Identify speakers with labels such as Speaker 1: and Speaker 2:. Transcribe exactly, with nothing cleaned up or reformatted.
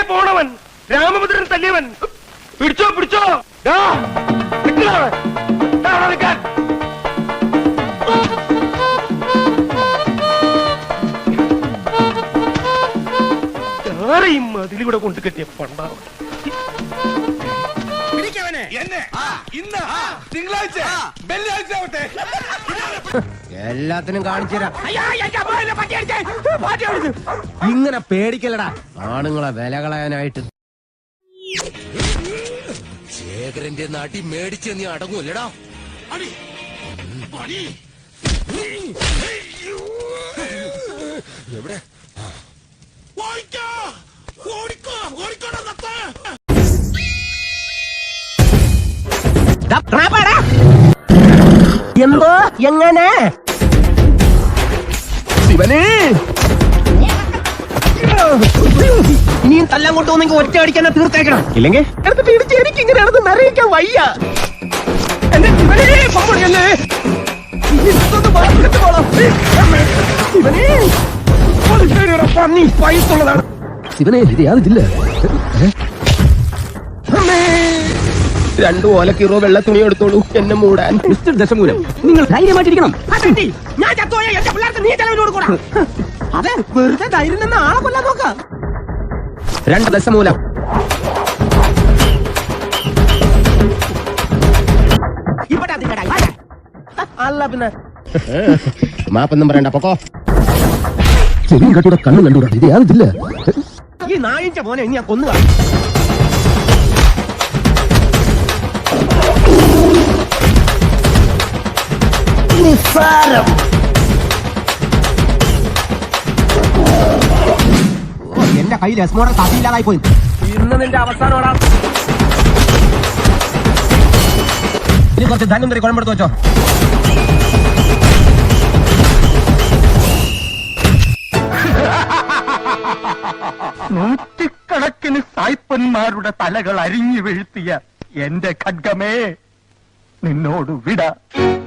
Speaker 1: പോണവൻ രാമഭദ്രൻ തല്ലിയവൻ. പിടിച്ചോ പിടിച്ചോ നിൽക്കാൻ. ആരെയും അതിലൂടെ കൊണ്ട് കെട്ടിയ പണ്ടാവും.
Speaker 2: എല്ലാത്തിനും കാണിച്ചു തരാം. ഇങ്ങനെ പേടിക്കലടാ ആണുങ്ങളെ വില കളയാനായിട്ട്. ശേഖരന്റെ നാട്ടി മേടിച്ച് നീ അടങ്ങൂല്ലടാ. എവിടെ എന്തോ എങ്ങനെ ശിവനെ ഇനിയും തല്ലാൻ കൊണ്ടുപോകുന്നെങ്കിൽ ഒറ്റ അടിക്കാൻ തീർത്തേക്കണം. ഇല്ലെങ്കിൽ എടുത്തിട്ട് ഇടിച്ച് എനിക്ക് ഇങ്ങനെയാണെന്ന് നിറയിക്കാൻ വയ്യ. എന്റെ ശിവനെ പമ്പടിയല്ലേ പൈസുള്ളതാണ്. ശിവനെ ഇത് യാതില്ല. രണ്ടു ഓലക്കീറോ വെള്ള തുണി എടുത്തോളൂ എന്നെ മൂടാൻ. മിസ്റ്റർ ദശമൂലം, നിങ്ങൾ ധൈര്യമായിട്ടിരിക്കണം. അതെ, വെറുതെ ധൈര്യം നിന്ന് ആളെ കൊല്ലാൻ നോക്കാം. രണ്ട് ദശമൂലം. അല്ല പിന്നെ മാപ്പൊന്നും പറയണ്ട, പൊക്കോ. ചെവിയും കട്ടൂടെ കണ്ണും കണ്ടൂടാ. ഇത് യാതില്ല. ഈ നായിന്റെ മോനെ ഇനി ഞാൻ കൊന്നുക. നിസ്സാരം. എന്റെ കയ്യിൽ രസ്മോടെ കഥയില്ലാതായി പോയി. ഇന്ന് നിന്റെ അവസാനോടാ. ഇനി കുറച്ച് ധനം തരി കുഴമ്പെടുത്ത് വെച്ചോ. നൂറ്റിക്കണക്കിന് സായിപ്പന്മാരുടെ തലകൾ അരിഞ്ഞു വീഴ്ത്തിയ എന്റെ ഖഡ്ഗമേ, നിന്നോട് വിട.